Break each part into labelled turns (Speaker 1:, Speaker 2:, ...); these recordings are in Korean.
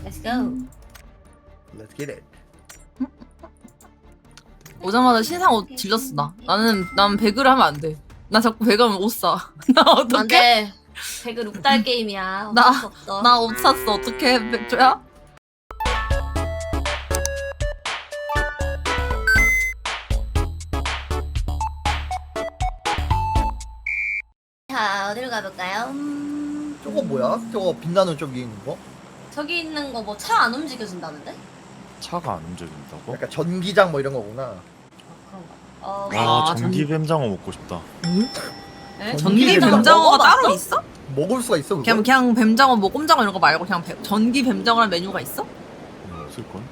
Speaker 1: Let's go.
Speaker 2: Let's get it.
Speaker 3: 오자마자 신상 옷 질렀어 나. 난 배그를 하면 안 돼. 나 자꾸 배그 하면 옷 사. 나 어떡해?
Speaker 1: 안돼. 배그 룩달 게임이야.
Speaker 3: 나-
Speaker 1: 어쩔 수 없어.
Speaker 3: 나 옷 샀어. 어떡해 백조야?
Speaker 1: 자 어디로 가볼까요?
Speaker 2: 저거 뭐야? 저거 빛나는 쪽 위에 있는 거?
Speaker 1: 저기 있는 거 뭐 차 안 움직여준다는데?
Speaker 4: 차가 안 움직인다고?
Speaker 2: 약간 전기장 뭐 이런 거구나.
Speaker 1: 그런가? 어.
Speaker 4: 와
Speaker 3: 아,
Speaker 4: 전기 뱀장어 먹고 싶다.
Speaker 1: 네?
Speaker 3: 전기
Speaker 2: 뱀장어
Speaker 3: 뱀장어가
Speaker 1: 먹어봤어?
Speaker 3: 따로 있어?
Speaker 2: 먹을 수가 있어 그거?
Speaker 3: 그냥 뱀장어 뭐 꼼장어 이런 거 말고 그냥 전기 뱀장어라는 메뉴가 있어?
Speaker 4: 없을 건?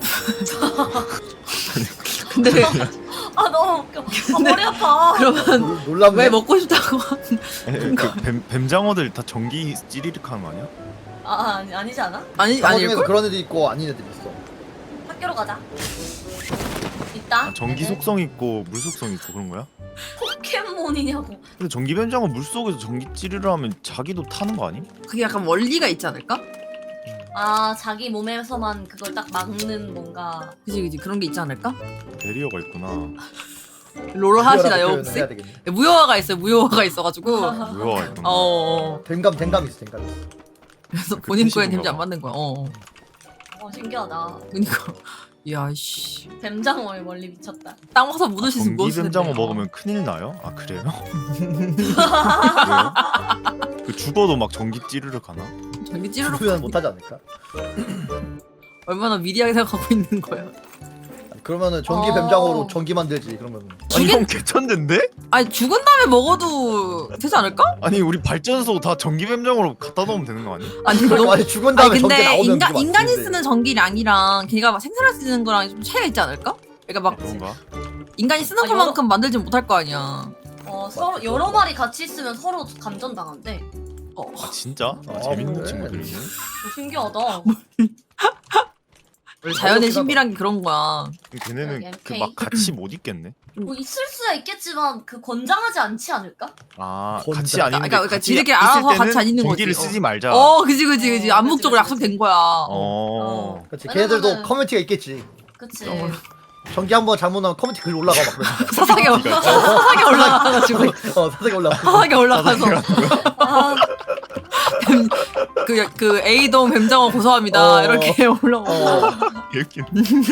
Speaker 3: 근데
Speaker 1: 아 너무 웃겨. 아 머리 아파.
Speaker 3: 그러면
Speaker 2: 놀랍네.
Speaker 3: 왜 먹고 싶다고?
Speaker 4: 그 뱀장어들 다 전기 찌리륵 하는 거 아니야?
Speaker 1: 아니지 않아?
Speaker 3: 아니
Speaker 2: 장어 중에서
Speaker 3: 아닐걸?
Speaker 2: 그런 애들 있고 아닌 애들 있어.
Speaker 1: 학교로 가자. 있다.
Speaker 4: 아, 전기
Speaker 1: 네네.
Speaker 4: 속성 있고 물 속성 있고 그런 거야?
Speaker 1: 포켓몬이냐고.
Speaker 4: 근데 전기 뱀장어 물 속에서 전기 찌르르 하면 자기도 타는 거 아니?
Speaker 3: 그게 약간 원리가 있지 않을까?
Speaker 1: 아 자기 몸에서만 그걸 딱 막는 뭔가.
Speaker 3: 그지 그런 게 있지 않을까?
Speaker 4: 베리어가 있구나.
Speaker 3: 롤을 하시나요
Speaker 2: 표현을
Speaker 3: 혹시?
Speaker 2: 해야 되겠네.
Speaker 3: 무효화가 있어요. 무효화가 있어가지고
Speaker 4: 뭐가 있구나.
Speaker 2: 댕감 있어 댕감 있어.
Speaker 3: 그래서
Speaker 4: 그
Speaker 3: 본인 거에
Speaker 4: 패시브인가
Speaker 3: 데미지 안
Speaker 4: 봐.
Speaker 3: 맞는 거야.
Speaker 1: 신기하다.
Speaker 3: 그니까 야씨
Speaker 1: 뱀장어에 멀리 미쳤다.
Speaker 3: 땅 와서 묻을 수 있으면
Speaker 4: 전기
Speaker 3: 묻을
Speaker 4: 뱀장어
Speaker 3: 텐데.
Speaker 4: 먹으면 큰일 나요? 아 그래요? 왜요? 그 죽어도 막 전기 찌르륵 하나?
Speaker 3: 전기 찌르륵
Speaker 2: 표현 못하지 않을까?
Speaker 3: 얼마나 미리하게 생각하고 있는 거야.
Speaker 2: 그러면은 전기
Speaker 1: 어.
Speaker 2: 뱀장어로 전기 만들지 그러면.
Speaker 4: 아니
Speaker 3: 죽인-
Speaker 4: 형 개천된데?
Speaker 3: 아니 죽은 다음에 먹어도 되지 않을까?
Speaker 4: 아니 우리 발전소 다 전기 뱀장어로 갖다 놓으면 되는 거 아니야?
Speaker 3: 아니
Speaker 2: 그러니까 아니 죽은 다음에
Speaker 3: 아니
Speaker 2: 전기
Speaker 3: 근데
Speaker 2: 나오면 그게
Speaker 3: 인간이
Speaker 2: 맞지,
Speaker 3: 쓰는 전기량이랑 걔가 막 생산할 수 있는 거랑 좀 차이가 있지 않을까? 그러니까 막
Speaker 4: 그런가?
Speaker 3: 인간이 쓰는
Speaker 1: 아,
Speaker 3: 것만큼 만들지 못할 거 아니야.
Speaker 1: 서로 여러 마리 같이 있으면 서로 감전 당한대.
Speaker 4: 아 진짜? 아,
Speaker 2: 아,
Speaker 4: 재밌는
Speaker 2: 그래?
Speaker 4: 친구들이네.
Speaker 1: 신기하다.
Speaker 3: 자연의
Speaker 2: 어렵긴
Speaker 3: 신비란 게 그런 거야.
Speaker 4: 걔네는
Speaker 1: 여기
Speaker 4: 그
Speaker 1: MK.
Speaker 4: 막 같이 못 있겠네.
Speaker 1: 뭐 있을 수야 있겠지만 그 권장하지 않지 않을까?
Speaker 4: 아
Speaker 2: 건자.
Speaker 4: 같이 아닌데
Speaker 3: 그러니까
Speaker 4: 같이
Speaker 3: 지들끼리
Speaker 4: 있을
Speaker 3: 알아서
Speaker 4: 때는
Speaker 3: 같이 안 있는
Speaker 4: 전기를
Speaker 3: 거지.
Speaker 4: 쓰지 말자.
Speaker 3: 그지.
Speaker 1: 어,
Speaker 3: 암묵적으로
Speaker 1: 그치, 그치.
Speaker 3: 약속된 거야.
Speaker 4: 어.
Speaker 2: 그렇지. 걔네들도
Speaker 1: 왜냐면은-
Speaker 2: 커뮤니티가 있겠지.
Speaker 1: 그치.
Speaker 2: 전기 한번 잘못 나면 커뮤니티 글 올라가 막
Speaker 3: 사상에 올라가가지고
Speaker 2: 그러니까. 사색에 올라가.
Speaker 3: 사상에 올라가서
Speaker 1: 아,
Speaker 3: 그 A동 뱀장어 고소합니다
Speaker 2: 어.
Speaker 3: 이렇게 올라오고.
Speaker 4: 이렇게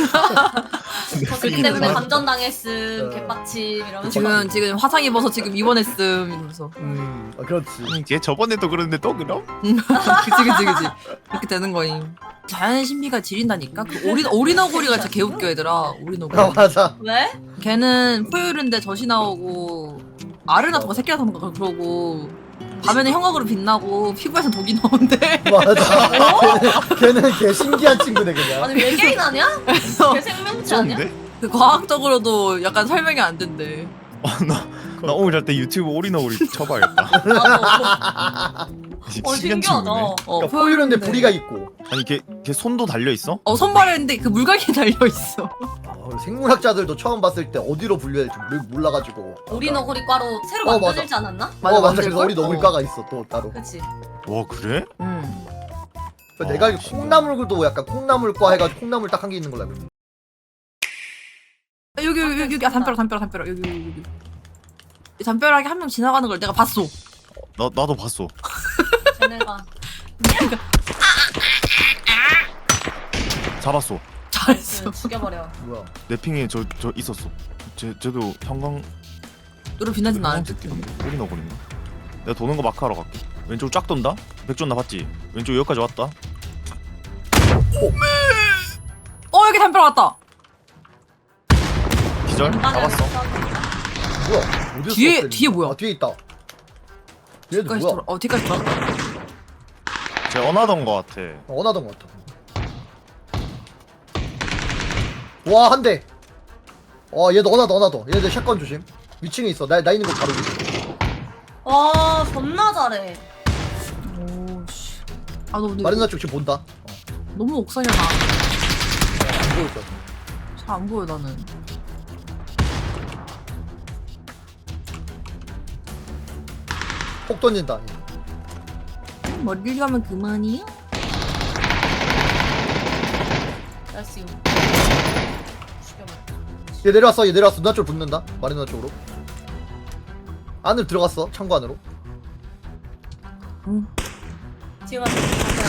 Speaker 1: 거기 때문에 감전 당했음,
Speaker 2: 어.
Speaker 1: 개빡침 이러면서.
Speaker 3: 지금 화상 입어서 지금 입원했음 이러면서.
Speaker 2: 그렇지.
Speaker 4: 걔 저번에도 그랬는데 또 그럼?
Speaker 3: 그치. 이렇게 되는 거임. 자연의 신비가 지린다니까. 그 오리너구리가 진짜 개웃겨 얘들아. 오리너구리.
Speaker 2: 아 맞아.
Speaker 1: 왜?
Speaker 3: 걔는 포유류인데 젖이 나오고 알을 낳고 새끼 낳던가 그러고 밤에는 형광으로 빛나고 피부에서 독이 나온대.
Speaker 2: 맞아. 걔는 개 신기한 친구네 그냥.
Speaker 1: 아니 외계인 아니야? 개 생명체 아니야?
Speaker 4: 쩐데?
Speaker 3: 그 과학적으로도 약간 설명이 안 된대.
Speaker 4: 나 오늘 잘 때 유튜브 오리너구리 쳐봐야겠다.
Speaker 1: 나도.
Speaker 4: 신기한
Speaker 1: 신기하다.
Speaker 4: 친구네.
Speaker 2: 그러니까 포유류인데 부리가 있고.
Speaker 4: 아니 걔 손도 달려 있어?
Speaker 3: 선발했는데 그 물갈기 달려 있어.
Speaker 2: 생물학자들도 처음 봤을 때 어디로 분류해야 될지 몰라가지고.
Speaker 1: 오리너구리과로 새로
Speaker 2: 맞아.
Speaker 1: 만들지 않았나?
Speaker 2: 맞아. 그래서
Speaker 3: 만들걸?
Speaker 2: 오리너구리과가 있어 또 따로.
Speaker 1: 그치.
Speaker 4: 와 그래?
Speaker 2: 그러니까 내가 알기로
Speaker 4: 신기하다.
Speaker 2: 콩나물도 약간 콩나물과 해가지고 콩나물 딱 한 개 있는 걸로 알고 있어.
Speaker 3: 여기 담벼락 여기. 이 담벼락에 한 명 지나가는 걸 내가 봤어.
Speaker 4: 나도 봤어.
Speaker 1: 쟤네가.
Speaker 4: 잡았어.
Speaker 3: 잘했어.
Speaker 1: 죽여버려.
Speaker 2: 뭐야?
Speaker 4: 내 핑에 저 있었어. 쟤도 형광
Speaker 3: 너를 빛나진 않았지.
Speaker 4: 오리너구리인가? 내가 도는 거 마크하러 갈게. 왼쪽 쫙 돈다. 백존 나 봤지? 왼쪽 여기까지 왔다.
Speaker 3: 여기 담벼락 왔다.
Speaker 4: 기절? 잡았어.
Speaker 2: 뭐야? 어디서
Speaker 3: 뒤에-
Speaker 2: 쐈대,
Speaker 3: 뒤에 뭐야?
Speaker 2: 아 뒤에 있다. 얘들
Speaker 3: 뒤까지
Speaker 2: 뭐야?
Speaker 3: 뒤까지 돌아.
Speaker 4: 쟤 언하던 거 같아.
Speaker 2: 원하던 것 같아. 와 한 대. 얘도 원하다. 얘들 샷건 조심. 위층에 있어. 나 있는 거 바로 위에.
Speaker 1: 와 존나 잘해.
Speaker 3: 오씨. 너 근데
Speaker 2: 마른나 쪽 지금 본다.
Speaker 3: 너무 옥상이야 나.
Speaker 2: 안 보였어.
Speaker 3: 잘 안 보여 나는.
Speaker 2: 폭 던진다.
Speaker 3: 머리를 가면 그만이야?
Speaker 1: 나이스. 죽여버려.
Speaker 2: 얘 내려왔어 얘 내려왔어. 누나 쪽으로 붙는다. 마리 누나 쪽으로. 안으로 들어갔어 창고 안으로.
Speaker 1: 지금 와서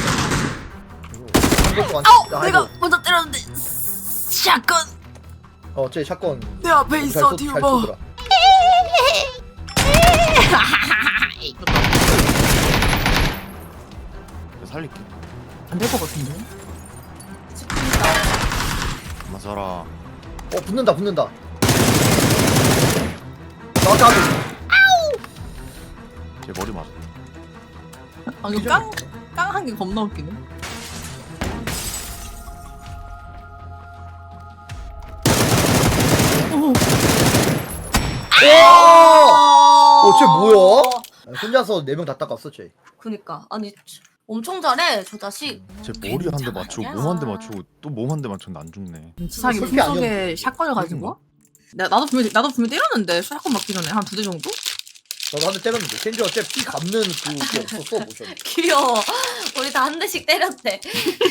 Speaker 3: 아우 내가 먼저 때렸는데 샷건
Speaker 2: 쟤 샷건
Speaker 3: 내 앞에 있어 뒤로 봐.
Speaker 2: 쏘더라.
Speaker 4: 내가 살릴게.
Speaker 3: 안될 것 같은데.
Speaker 4: 그만 살아.
Speaker 2: 붙는다 붙는다. 나도
Speaker 4: 제 머리 맞았다.
Speaker 3: 방금 깡한 게 겁나 웃기네.
Speaker 2: 와! 쟤 뭐야? 혼자서 4명 다 닦았어 쟤.
Speaker 1: 그니까 아니 엄청 잘해 저 자식.
Speaker 4: 제 머리 한 대 맞추고
Speaker 1: 괜찮아.
Speaker 4: 몸 한 대 맞추고 또 몸 한 대 맞췄는데 안 죽네.
Speaker 3: 지상이
Speaker 2: 솔직히
Speaker 3: 품속에 샷건을 가지고? 나도 분명 때렸는데 샷건 맞기 전에 한 2대 정도?
Speaker 2: 나도 한 대 때렸는데 젠지가 쟤피 감는 그게 없었어 모션.
Speaker 1: 귀여워. 우리 다 한 대씩 때렸대.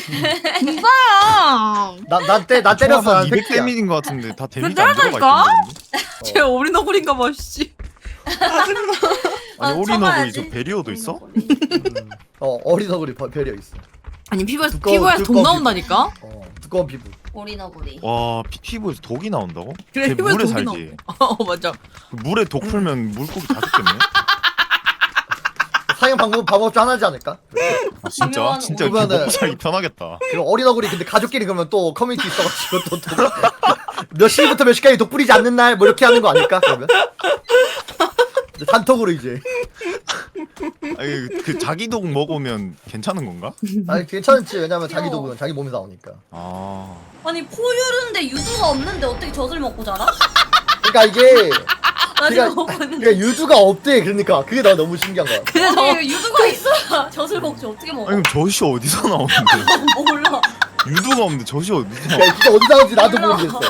Speaker 3: 진짜야.
Speaker 2: 나 때렸어.
Speaker 4: 한
Speaker 2: 난
Speaker 4: 200
Speaker 2: 팩트야.
Speaker 4: 데미지인 것 같은데 다 데미지
Speaker 3: 그래,
Speaker 4: 안 들어가
Speaker 3: 때렸다니까?
Speaker 4: 있던데.
Speaker 3: 쟤 어린어굴인가 봐 씨.
Speaker 4: 아니
Speaker 1: 아,
Speaker 4: 오리너브
Speaker 1: 쳐봐야지.
Speaker 4: 있어. 베리어도 있어?
Speaker 2: 어린 얼굴이 배려 있어.
Speaker 3: 아니 피부에서
Speaker 2: 두꺼운
Speaker 3: 돈
Speaker 2: 피부.
Speaker 3: 나온다니까?
Speaker 2: 두꺼운 피부.
Speaker 1: 오리너구리.
Speaker 4: 와 피부에서 독이 나온다고?
Speaker 3: 그래,
Speaker 4: 걔
Speaker 3: 피부에서
Speaker 4: 물에
Speaker 3: 독이
Speaker 4: 살지.
Speaker 3: 맞아.
Speaker 4: 그 물에 독 풀면 물고기 다 죽겠네.
Speaker 2: 사용 방법 중 하나지 않을까?
Speaker 4: 아, 진짜?
Speaker 1: 유명한
Speaker 4: 진짜
Speaker 2: 오리너브.
Speaker 4: 이렇게 먹고 살기 편하겠다.
Speaker 2: 그리고 어린 얼굴이 근데 가족끼리 그러면 또 커뮤니티 있어가지고 몇 시부터 몇 시까지 독 뿌리지 않는 날 뭐 이렇게 하는 거 아닐까 그러면? 단톡으로 이제.
Speaker 4: 아니 그 자기 독 먹으면 괜찮은 건가?
Speaker 2: 아니 괜찮지 왜냐면 자기
Speaker 1: 귀여워.
Speaker 2: 독은 자기 몸에 나오니까.
Speaker 4: 아
Speaker 1: 아니 포유류인데 유두가 없는데 어떻게 젖을 먹고 자라?
Speaker 2: 그러니까 이게
Speaker 1: 나
Speaker 2: 그러니까-
Speaker 1: 지금 보고 있는데.
Speaker 2: 그러니까 유두가 없대. 그러니까 그게 나 너무 신기한 거야.
Speaker 3: 근데 저
Speaker 1: 아니 유두가 있어야 젖을 먹지 어떻게 먹어?
Speaker 4: 아니 그럼 젖이 어디서 나오는데?
Speaker 1: 몰라.
Speaker 4: 유두가 없는데 젖이 어디서 나와?
Speaker 2: 그러니까 진짜 어디 나오는지 나도 모르겠어.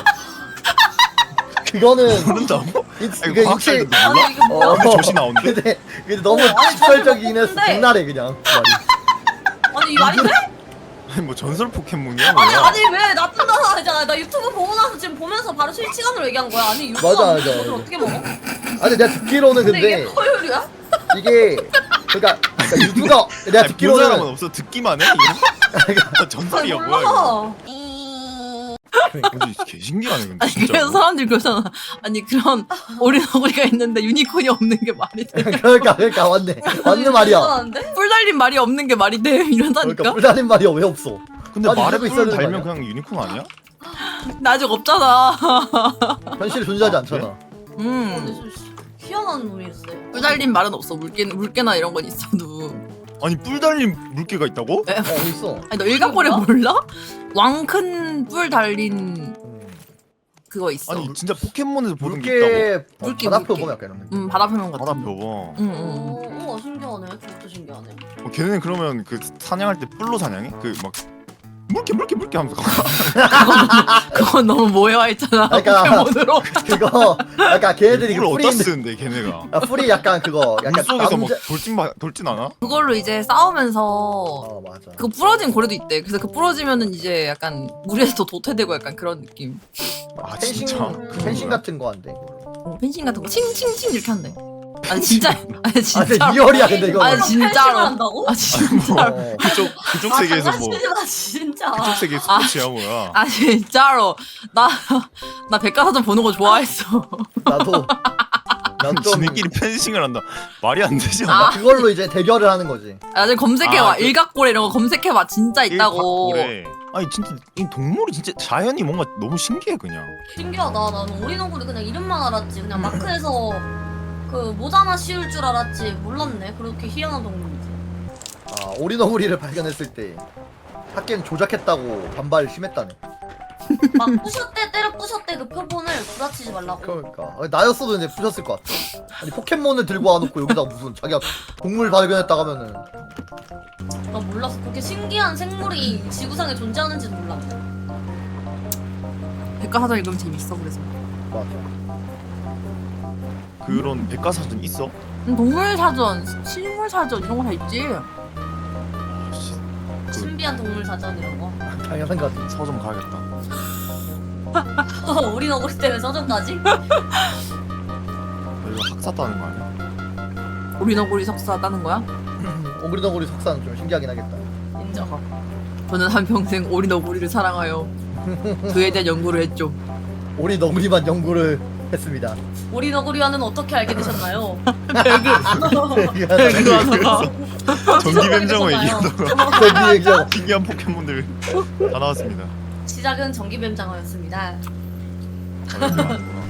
Speaker 2: 그거는
Speaker 4: 모른다고?
Speaker 2: 이-
Speaker 4: 아니
Speaker 2: 그
Speaker 4: 과학자들도
Speaker 2: 인체-
Speaker 4: 몰라?
Speaker 1: 아니 이게 뭐야?
Speaker 2: 어.
Speaker 4: 근데 젖이 나온대?
Speaker 2: 근데 너무
Speaker 1: 아니,
Speaker 2: 직설적이긴 했어.
Speaker 1: 근데-
Speaker 2: 장난해 그냥 말이.
Speaker 1: 아니 이 말이 돼?
Speaker 4: 아니 뭐 전설 포켓몬이야
Speaker 1: 아니
Speaker 4: 뭐야?
Speaker 1: 아니 왜 나쁜 나 하잖아. 나 유튜브 보고 나서 지금 보면서 바로 실시간으로 얘기한 거야. 아니 유두가
Speaker 2: 맞아,
Speaker 1: 없는데
Speaker 2: 맞아,
Speaker 1: 젖을
Speaker 2: 맞아.
Speaker 1: 어떻게 먹어?
Speaker 2: 아니 내가 듣기로는
Speaker 1: 근데 이게
Speaker 2: 근데
Speaker 1: 포유류야?
Speaker 2: 이게 그러니까 유두가 내가
Speaker 4: 아니, 본 사람은
Speaker 2: 듣기로는
Speaker 4: 없어 듣기만 해? 이거? 전설이야 뭐야 이거?
Speaker 1: 몰라.
Speaker 4: 근데 개 신기하네 근데
Speaker 3: 아니
Speaker 4: 진짜.
Speaker 3: 그래서 사람들이 그러잖아. 아니 그런 어린어구리가 있는데 유니콘이 없는 게 말이 돼?
Speaker 2: 그러니까 맞는 말이야.
Speaker 1: 이상한데?
Speaker 3: 뿔 달린 말이 없는 게 말이 돼? 이런다니까?
Speaker 2: 그러니까 뿔달린 말이야 왜 없어?
Speaker 4: 근데
Speaker 2: 아니,
Speaker 4: 말에
Speaker 2: 이러고 있어야
Speaker 4: 뿔
Speaker 2: 되는 거
Speaker 4: 달면
Speaker 2: 아니야?
Speaker 4: 그냥 유니콘 아니야?
Speaker 3: 나 아직 없잖아.
Speaker 2: 현실에 존재하지 않잖아.
Speaker 1: 근데 좀 희한한 놈이었어요.
Speaker 3: 뿔 달린 말은 없어. 물개나 이런 건 있어도.
Speaker 4: 아니 뿔 달린 물개가 있다고?
Speaker 2: 어디 있어?
Speaker 3: 아니 너 일각고래 몰라? 왕큰 뿔 달린 그거 있어.
Speaker 4: 아니 진짜 포켓몬에서 보는 게 있다고?
Speaker 3: 물개,
Speaker 2: 바다표
Speaker 3: 물개.
Speaker 2: 보면 약간 이런 느낌.
Speaker 3: 바다 표면 같은.
Speaker 4: 바다
Speaker 3: 거.
Speaker 4: 표범.
Speaker 3: 응.
Speaker 1: 신기하네. 그것도 신기하네.
Speaker 4: 걔네는 그러면 그 사냥할 때 뿔로 사냥해? 그 막 물개 하면서
Speaker 3: 그건 너무 모해와 있잖아.
Speaker 2: 그러니까-
Speaker 3: 포켓몬으로.
Speaker 2: 그거 약간 걔네들이
Speaker 4: 뿔을
Speaker 2: 그
Speaker 4: 어디다
Speaker 2: 풀이
Speaker 4: 쓰는데 걔네가?
Speaker 2: 풀이 약간 그거 약간
Speaker 4: 물속에서 막
Speaker 2: 남자.
Speaker 4: 돌진 않아?
Speaker 3: 그걸로 이제 싸우면서
Speaker 2: 맞아.
Speaker 3: 그 부러진 고래도 있대. 그래서 그 부러지면은 이제 약간 물에서 도태되고 약간 그런 느낌.
Speaker 4: 아
Speaker 2: 펜싱
Speaker 4: 진짜?
Speaker 2: 펜싱 같은 거 한대.
Speaker 3: 펜싱 같은 거 칭칭칭 이렇게 한대. 아니 진짜. 아니
Speaker 2: 진짜
Speaker 3: 진짜.
Speaker 2: 리얼이야 근데 이거.
Speaker 3: 아니, 진짜로.
Speaker 1: 한다고?
Speaker 3: 아 진짜로.
Speaker 4: 그쪽 세계에서 뭐
Speaker 1: 장난치지 마 진짜.
Speaker 4: 그쪽 세계 스포츠야 뭐야?
Speaker 3: 아 진짜로. 나 백과사전 보는 거 좋아했어.
Speaker 2: 나도 난좀
Speaker 4: 지네끼리 펜싱을 한다. 말이 안 되지
Speaker 3: 아.
Speaker 4: 않아?
Speaker 2: 그걸로 이제 대결을 하는 거지.
Speaker 3: 나중에 검색해봐.
Speaker 4: 아, 그-
Speaker 3: 일각고래 이런 거 검색해봐. 진짜 있다고.
Speaker 4: 그래. 아니 진짜 이 동물이 진짜 자연이 뭔가 너무 신기해 그냥.
Speaker 1: 신기하다. 나는 오리너구리 그냥 이름만 알았지. 그냥 마크에서 그 모자나 씌울 줄 알았지. 몰랐네. 그렇게 희한한 동물이지.
Speaker 2: 오리너구리를 발견했을 때 학계는 조작했다고 반발 심했다네.
Speaker 1: 막 부셨대 때려 부셨대 그 표본을 부딪히지 말라고.
Speaker 2: 그러니까 나였어도 이제 부셨을 것 같아. 아니 포켓몬을 들고 와놓고 여기다 무슨 자기가 동물 발견했다고 하면은
Speaker 1: 나 몰랐어. 그렇게 신기한 생물이 지구상에 존재하는지도 몰랐네.
Speaker 3: 백과사전 읽으면 재밌어. 그래서.
Speaker 2: 맞아.
Speaker 4: 그런 백과사전 있어?
Speaker 3: 동물사전, 식물사전 이런 거 다 있지.
Speaker 4: 아, 씨.
Speaker 1: 신비한 동물 사전 이런 거.
Speaker 2: 당연한 것 같아.
Speaker 4: 서점 가야겠다.
Speaker 1: 우리 너구리 때문에 서점까지?
Speaker 4: 너 이거 학사 따는 거 아니야?
Speaker 3: 오리너구리 석사 따는 거야?
Speaker 2: 오그리너구리 석사는 좀 신기하긴 하겠다.
Speaker 1: 인정.
Speaker 3: 저는 한평생 오리너구리를 사랑하여 그에 대한 연구를 했죠.
Speaker 2: 오리너구리만 연구를 했습니다.
Speaker 1: 우리 너구리와는 어떻게 알게 되셨나요?
Speaker 4: 전기 뱀장어
Speaker 1: 되셨나요?
Speaker 4: 얘기하다가 신기한 포켓몬들 다 나왔습니다.
Speaker 1: 시작은 전기뱀장어였습니다.
Speaker 4: 아, 이렇게 많구나.